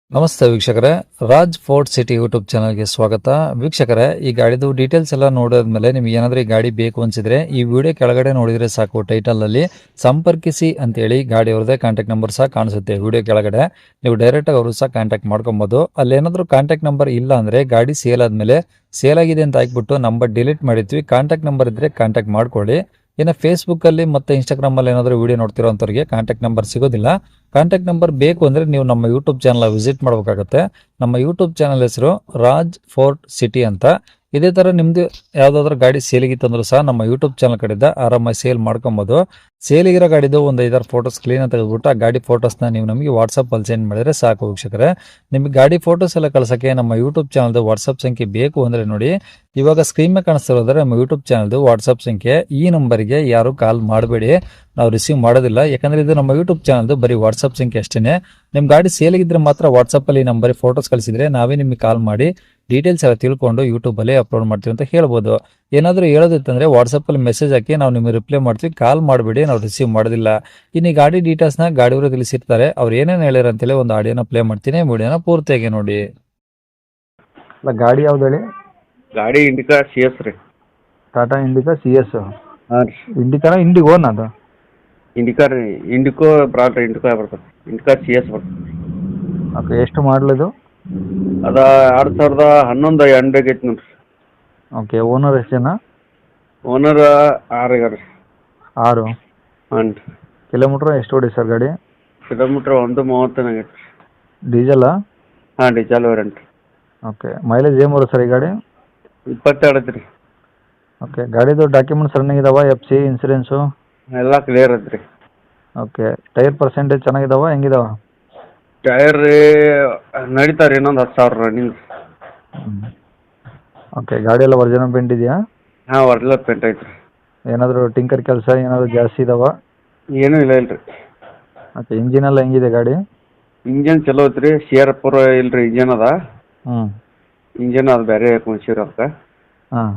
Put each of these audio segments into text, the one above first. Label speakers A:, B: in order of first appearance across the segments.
A: ನಮಸ್ತೆ ವೀಕ್ಷಕರೇ, Raj fort city YouTube ಚಾನಲ್ಗೆ ಸ್ವಾಗತ. ವೀಕ್ಷಕರೇ, ಈ ಗಾಡಿದು ಡೀಟೇಲ್ಸ್ ಎಲ್ಲ ನೋಡಿದ್ಮೇಲೆ ನಿಮ್ಗೆ ಏನಾದರೂ ಈ ಗಾಡಿ ಬೇಕು ಅನ್ಸಿದ್ರೆ ಈ ವಿಡಿಯೋ ಕೆಳಗಡೆ ನೋಡಿದ್ರೆ ಸಾಕು, ಟೈಟಲಲ್ಲಿ ಸಂಪರ್ಕಿಸಿ ಅಂತೇಳಿ ಗಾಡಿ ಅವ್ರದ್ದೇ ಕಾಂಟ್ಯಾಕ್ಟ್ ನಂಬರ್ ಸಹ ಕಾಣಿಸುತ್ತೆ. ವಿಡಿಯೋ ಕೆಳಗಡೆ ನೀವು ಡೈರೆಕ್ಟಾಗಿ ಅವರು ಸಹ ಕಾಂಟ್ಯಾಕ್ಟ್ ಮಾಡ್ಕೊಬೋದು. ಅಲ್ಲೇನಾದರೂ ಕಾಂಟ್ಯಾಕ್ಟ್ ನಂಬರ್ ಇಲ್ಲ ಅಂದರೆ ಗಾಡಿ ಸೇಲ್ ಆದಮೇಲೆ ಸೇಲ್ ಆಗಿದೆ ಅಂತ ಹಾಕ್ಬಿಟ್ಟು ನಂಬರ್ ಡಿಲೀಟ್ ಮಾಡಿರ್ತೀವಿ. ಕಾಂಟ್ಯಾಕ್ಟ್ ನಂಬರ್ ಇದ್ದರೆ ಕಾಂಟ್ಯಾಕ್ಟ್ ಮಾಡ್ಕೊಳ್ಳಿ. ಇನ್ನು ಫೇಸ್ಬುಕ್ಕಲ್ಲಿ ಮತ್ತು ಇನ್ಸ್ಟಾಗ್ರಾಮಲ್ಲಿ ಏನಾದರೂ ವಿಡಿಯೋ ನೋಡ್ತಿರೋಂಥವ್ರಿಗೆ ಕಾಂಟ್ಯಾಕ್ಟ್ ನಂಬರ್ ಸಿಗೋದಿಲ್ಲ. ಕಾಂಟ್ಯಾಕ್ಟ್ ನಂಬರ್ ಬೇಕು ಅಂದರೆ ನೀವು ನಮ್ಮ ಯೂಟ್ಯೂಬ್ ಚಾನಲ್ ವಿಸಿಟ್ ಮಾಡಬೇಕಾಗುತ್ತೆ. ನಮ್ಮ ಯೂಟ್ಯೂಬ್ ಚಾನಲ್ ಹೆಸರು ರಾಜ್ ಫೋರ್ಟ್ ಸಿಟಿ ಅಂತ. ಇದೇ ಥರ ನಿಮ್ಮದು ಯಾವುದಾದ್ರೂ ಗಾಡಿ ಸೇಲಿಗಿತ್ತಂದ್ರೂ ಸಹ ನಮ್ಮ ಯೂಟ್ಯೂಬ್ ಚಾನಲ್ ಕಡೆಯಿಂದ ಆರಾಮಾಗಿ ಸೇಲ್ ಮಾಡ್ಕೊಬೋದು. ಸೇಲಿಗಿರೋ ಗಾಡಿದು ಒಂದು 5-6 ಫೋಟೋಸ್ ಕ್ಲೀನಾಗಿ ತೆಗೆದುಬಿಟ್ಟು ಆ ಗಾಡಿ ಫೋಟೋಸ್ನ ನೀವು ನಮಗೆ ವಾಟ್ಸಪ್ಪಲ್ಲಿ ಸೆಂಡ್ ಮಾಡಿದರೆ ಸಾಕು ವೀಕ್ಷಕರೇ. ನಿಮಗೆ ಗಾಡಿ ಫೋಟೋಸ್ ಎಲ್ಲ ಕಳ್ಸೋಕ್ಕೆ ನಮ್ಮ ಯೂಟ್ಯೂಬ್ ಚಾನಲ್ದು ವಾಟ್ಸಪ್ ಸಂಖ್ಯೆ ಬೇಕು ಅಂದರೆ ನೋಡಿ, ಇವಾಗ ಸ್ಕ್ರೀನ್ ಮೇಲೆ ಕಾಣಿಸ್ತಿರೋದ್ರೆ ನಮ್ಮ ಯೂಟ್ಯೂಬ್ ಚಾನಲ್ದು ವಾಟ್ಸಪ್ ಸಂಖ್ಯೆ. ಈ ನಂಬರ್ಗೆ ಯಾರು ಕಾಲ್ ಮಾಡಬೇಡಿ, ನಾವು ರಿಸೀವ್ ಮಾಡೋದಿಲ್ಲ. ಯಾಕಂದರೆ ಇದು ನಮ್ಮ ಯೂಟ್ಯೂಬ್ ಚಾನಲ್ದು ಬರೀ ವಾಟ್ಸಪ್ ಸಂಖ್ಯೆ ಅಷ್ಟೇ. ನಿಮ್ಮ ಗಾಡಿ ಸೇಲಿಗಿದ್ರೆ ಮಾತ್ರ ವಾಟ್ಸಪ್ಪಲ್ಲಿ ನಂಬರ್ ಫೋಟೋಸ್ ಕಳಿಸಿದ್ರೆ ನಾವೇ ನಿಮಗೆ ಕಾಲ್ ಮಾಡಿ ಡೀಟೇಲ್ಸ್ ಎಲ್ಲ ತಿಳ್ಕೊಂಡು ಯೂಟ್ಯೂಬಲ್ಲಿ ಅಪ್ಲೋಡ್ ಮಾಡ್ತೀವಿ ಅಂತ ಹೇಳ್ಬೋದು. ಏನಾದರೂ ಹೇಳೋದಿತ್ತಂದರೆ ವಾಟ್ಸಪ್ಪಲ್ಲಿ ಮೆಸೇಜ್ ಹಾಕಿ ನಾವು ನಿಮಗೆ ರಿಪ್ಲೈ ಮಾಡ್ತೀವಿ, ಕಾಲ್ ಮಾಡಬೇಡಿ, ನಾವು ರಿಸೀವ್ ಮಾಡೋದಿಲ್ಲ. ಇನ್ನು ಈ ಗಾಡಿ ಡೀಟೇಲ್ಸ್ನ ಗಾಡಿಯವರು ತಿಳಿಸಿರ್ತಾರೆ, ಅವ್ರು ಏನೇನು ಹೇಳ್ಯಾರ ಅಂತೇಳಿ ಒಂದು ಆಡಿಯೋನ ಪ್ಲೇ ಮಾಡ್ತೀನಿ, ವಿಡಿಯೋನ ಪೂರ್ತಿಯಾಗಿ ನೋಡಿ.
B: ಅಲ್ಲ, ಗಾಡಿ ಯಾವ್ದು ಹೇಳಿ?
C: ಗಾಡಿ ಇಂಡಿಕಾ ಸಿ ಎಸ್ ರೀ.
B: Tata Indica C S.
C: ಹಾಂ ರೀ.
B: ಇಂಡಿಕಾನ ಇಂಡಿಗೋನ್ ಅದು?
C: ಇಂಡಿಕಾ ರೀ. ಇಂಡಿಕೋ ಬ್ರಾಡ್ ಇಂಡಿಕಾ ಬರ್ತದೆ. ಇಂಡಿಕಾ ಸಿ ಎಸ್ ಬರ್ತದೆ.
B: ಓಕೆ, ಎಷ್ಟು ಮಾಡಲಿದು?
C: ಅದ 2011 ಎಂಡ್ ಆಗೈತೆ ನೋಡ್ರಿ.
B: ಓಕೆ, ಓನರ್ ಎಷ್ಟು ಜನ?
C: ಓನರ್ 6 ಆಗ್ಯಾರ ರೀ.
B: 6.
C: ಹಾಂ ರೀ.
B: ಕಿಲೋಮೀಟ್ರ್ ಎಷ್ಟು ಹೊಡಿ ಸರ್ ಗಾಡಿ?
C: ಕಿಲೋಮೀಟ್ರ್ 130 ಆಗೈತೆ ರೀ.
B: ಡೀಸೆಲ್ಲಾ?
C: ಹಾಂ, ಡೀಸೆಲ್ ವೇರಿಯಂಟ್.
B: ಓಕೆ, ಮೈಲೇಜ್ ಏನು ಬರುತ್ತೆ ಸರ್ ಈ ಗಾಡಿ?
C: 22 ಐತೆ ರೀ.
B: ಓಕೆ, ಗಾಡಿದು ಡಾಕ್ಯುಮೆಂಟ್ಸ್ ರನ್ನಿಂಗ್ ಇದಾವ? F C, insurance?
C: ಎಲ್ಲ ಕ್ಲಿಯರ್ ಐತೆ ರೀ.
B: ಓಕೆ, ಟೈರ್ ಪರ್ಸೆಂಟೇಜ್ ಚೆನ್ನಾಗಿದಾವ, ಹೆಂಗಿದಾವ?
C: ಟೈರ್ ರೀ ನಡೀತಾರೆ, ಇನ್ನೊಂದು 10,000 ರನ್ನಿಂಗ್.
B: ಓಕೆ, ಗಾಡಿ ಎಲ್ಲ ಒರಿಜಿನಲ್ ಪೇಂಟ್ ಇದೆಯಾ?
C: ಹಾಂ, ಒರಿಜಿನಲ್ ಪೇಂಟ್ ಐತೆ ರೀ.
B: ಏನಾದರೂ ಟಿಂಕರ್ ಕೆಲಸ ಏನಾದರೂ ಜಾಸ್ತಿ ಇದಾವ?
C: ಏನೂ ಇಲ್ಲ ಇಲ್ರಿ.
B: ಓಕೆ, ಇಂಜಿನ್ ಎಲ್ಲ ಹೆಂಗಿದೆ ಗಾಡಿ?
C: ಇಂಜನ್ ಚಲೋ ಐತೆ ರೀ. ಸಿಯರ್ ಪೂರ ಇಲ್ಲ ರೀ, ಇಂಜನ್ ಅದ.
B: ಹ್ಞೂ.
C: ಇಂಜನ್ ಅದು ಬೇರೆ ಕುಣಿಸಿರ ಅದಕ್ಕೆ.
B: ಹಾಂ.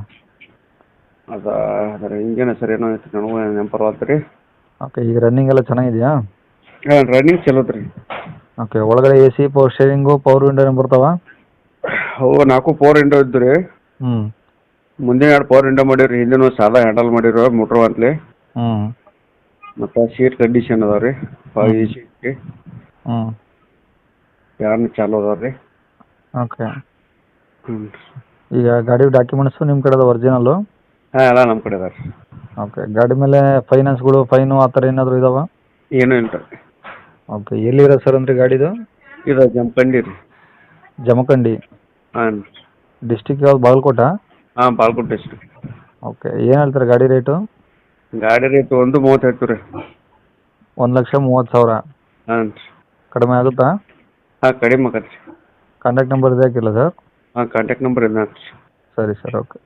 C: ಅದರ ಇಂಜನ್ ಹೆಸರು ಏನೋ ಐತೆ, ನನಗೂ ನೆನಪರ್ವಾತು ರೀ.
B: ಓಕೆ, ಈಗ ರನ್ನಿಂಗ್ ಎಲ್ಲ ಚೆನ್ನಾಗಿದೆಯಾ?
C: ಹಾಂ, ರನ್ನಿಂಗ್ ಚಲೋ ಐತೆ ರೀ.
B: ಓಕೆ, ಒಳಗಡೆ A C, power steering, power window ಬರ್ತಾವ?
C: ಅವು 4 ಪವರ್ ವಿಂಡೋ ಇದ್ದು ರೀ.
B: ಹ್ಞೂ.
C: ಮುಂದೆ 2 ಪವರ್ ವಿಂಡೋ ಮಾಡಿರಿ, ಹಿಂದಿನ ಸಾದಾ ಹ್ಯಾಂಡಲ್ ಮಾಡಿರೋ ಮೋಟ್ರ್ ಅಂತಲೇ.
B: ಹ್ಞೂ.
C: ಮತ್ತು ಸೀಟ್ ಕಂಡೀಷನ್ ಅದಾವೆ ರೀ. 5 AC ರೀ.
B: ಹ್ಞೂ.
C: ಯಾರನ್ನ ಚಾಲು ಅದಾವೆ ರೀ.
B: ಓಕೆ,
C: ಹ್ಞೂ.
B: ಈಗ ಗಾಡಿ ಡಾಕ್ಯುಮೆಂಟ್ಸು ನಿಮ್ಮ ಕಡೆದು ಒರಿಜಿನಲ್ಲು?
C: ಹಾಂ, ಎಲ್ಲ ನಮ್ಮ ಕಡೆ ಅದಾವೆ ರೀ.
B: ಓಕೆ, ಗಾಡಿ ಮೇಲೆ ಫೈನಾನ್ಸ್ಗಳು, ಫೈನು ಆ ಥರ ಏನಾದರೂ ಇದಾವ?
C: ಏನೂ ಇಲ್ಲ ರೀ.
B: ಓಕೆ, ಎಲ್ಲಿರೋ ಸರ್ ಅಂದರೆ ಗಾಡಿದು?
C: ಇದು ಜಮಖಂಡಿ ರೀ.
B: ಜಮಖಂಡಿ.
C: ಹಾಂ.
B: ಡಿಸ್ಟಿಕ್ ಯಾವ್ದು, ಬಾಗಲಕೋಟಾ?
C: ಹಾಂ, ಬಾಗಲಕೋಟೆ ಡಿಸ್ಟ್ರಿಕ್ಟ್.
B: ಓಕೆ, ಏನು ಹೇಳ್ತಾರೆ ಗಾಡಿ ರೇಟು?
C: ಗಾಡಿ ರೇಟ್ 1.30 ಹೇಳ್ತೀವಿ ರೀ.
B: 1,30,000.
C: ಹಾಂ ರೀ.
B: ಕಡಿಮೆ ಆಗುತ್ತಾ?
C: ಹಾಂ, ಕಡಿಮೆ ಆಗತ್ತೆ ರೀ.
B: ಕಾಂಟ್ಯಾಕ್ಟ್ ನಂಬರ್ ಇದೆ ಹಾಕಿಲ್ಲ ಸರ್?
C: ಹಾಂ, ಕಾಂಟ್ಯಾಕ್ಟ್ ನಂಬರ್ ಇದೆ ರೀ.
B: ಸರಿ ಸರ್, ಓಕೆ.